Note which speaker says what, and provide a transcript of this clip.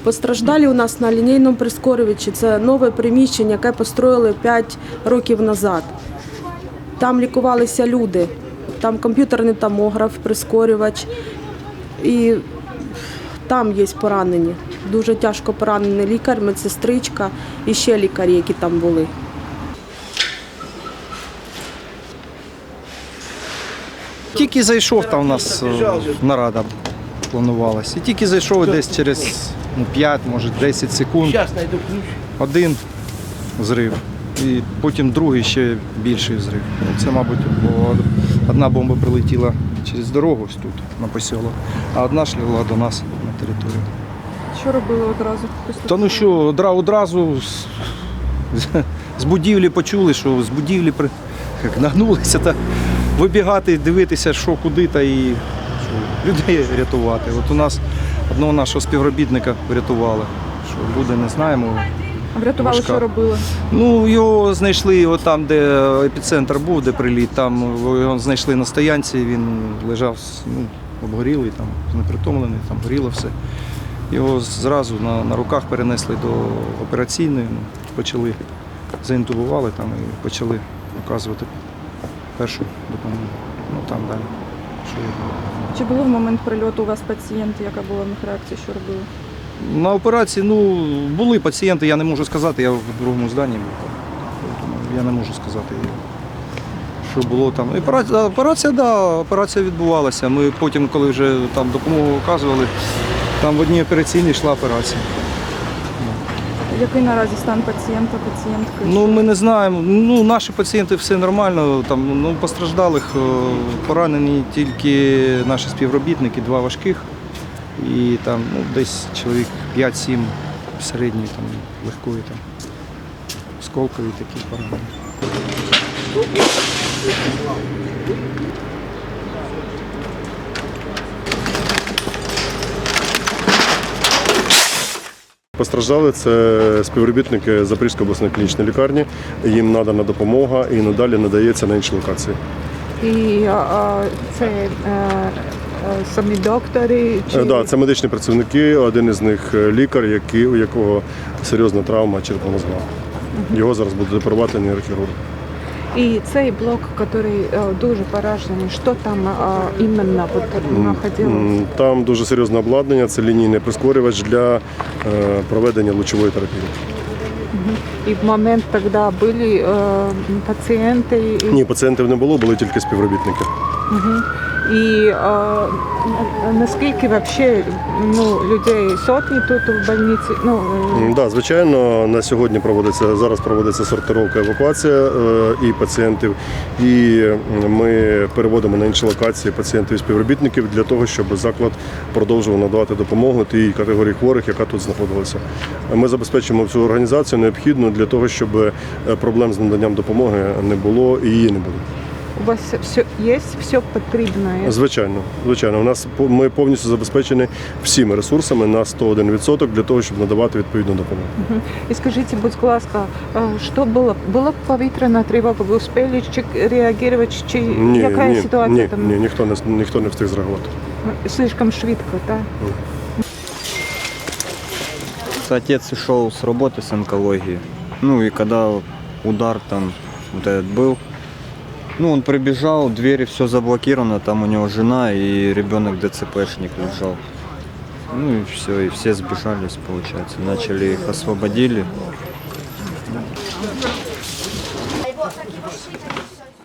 Speaker 1: Постраждалі у нас на лінійному прискорювачі. Це нове приміщення, яке построїли 5 років назад. Там лікувалися люди, там комп'ютерний томограф, прискорювач. І там є поранені. Дуже тяжко поранений лікар, медсестричка і ще лікарі, які там були.
Speaker 2: Тільки зайшов, там у нас нарада планувалася. І тільки зайшов десь через 5, може 10 секунд. Один взрив. І потім другий ще більший взрив. Це, мабуть, бо одна бомба прилетіла через дорогу ось тут, на посілок, а одна шлягла до нас на територію.
Speaker 3: Що робили одразу?
Speaker 2: Та ну що, одразу з будівлі почули, що з будівлі нагнулися та вибігати, дивитися, що куди, та і що, людей рятувати. От у нас одного нашого співробітника врятували, що люди не знаємо.
Speaker 3: Врятували,
Speaker 2: важка.
Speaker 3: що робили?
Speaker 2: Ну, його знайшли там, де епіцентр був, де приліт, там його знайшли на стоянці, він лежав, обгорілий, там, знепритомлений, там горіло все. Його зразу на руках перенесли до операційної, почали, заінтубували там і почали оказувати першу допомогу. Ну там далі.
Speaker 3: Чи були в момент прильоту у вас пацієнти, яка була в них реакція, що робили?
Speaker 2: На операції, були пацієнти, я не можу сказати, я в другому зданні був. Тому я не можу сказати, що було там. Операція відбувалася. Ми потім, коли вже там допомогу оказували, там в одній операційній йшла операція.
Speaker 3: Який наразі стан пацієнта, пацієнтки?
Speaker 2: Ми не знаємо. Наші пацієнти все нормально. Там, постраждалих поранені тільки наші співробітники, 2 важких. І там десь чоловік 5-7 середньої, там, легкої, там, осколкові такі поранені.
Speaker 4: Постраждали це співробітники Запорізької обласної клінічної лікарні. Їм надана допомога і надалі надається на інші локації.
Speaker 5: І це самі доктори?
Speaker 4: Так, це медичні працівники, один із них лікар, у якого серйозна травма черепно-мозгова. Його зараз буде оперувати нейрохірург.
Speaker 5: І цей блок, який дуже поражений, що там іменно знаходилось?
Speaker 4: Там дуже серйозне обладнання, це лінійний прискорювач для проведення лучової терапії.
Speaker 5: І в момент тоді були пацієнти?
Speaker 4: Ні, пацієнтів не було, були тільки співробітники.
Speaker 5: І наскільки взагалі людей сотні тут в больниці?
Speaker 4: Так, звичайно, на сьогодні зараз проводиться сортировка, евакуація і пацієнтів. І ми переводимо на інші локації пацієнтів і співробітників для того, щоб заклад продовжував надавати допомогу тій категорії хворих, яка тут знаходилася. Ми забезпечимо всю організацію необхідну для того, щоб проблем з наданням допомоги не було і її не буде.
Speaker 5: У вас є все потрібне?
Speaker 4: Звичайно. Ми повністю забезпечені всіми ресурсами на 101% для того, щоб надавати відповідну допомогу.
Speaker 5: І скажіть, будь ласка, що було? Була повітряна тривога, ви встигли реагувати? Чи яка ситуація там?
Speaker 4: Ні, ніхто не встиг зреагувати.
Speaker 5: Слишком швидко, так?
Speaker 6: Отец ушел с работы с онкологии. И когда удар там вот этот был, он прибежал, двери все заблокировано, там у него жена и ребенок ДЦПшник лежал. И все, и все сбежались, получается. Начали их освободили.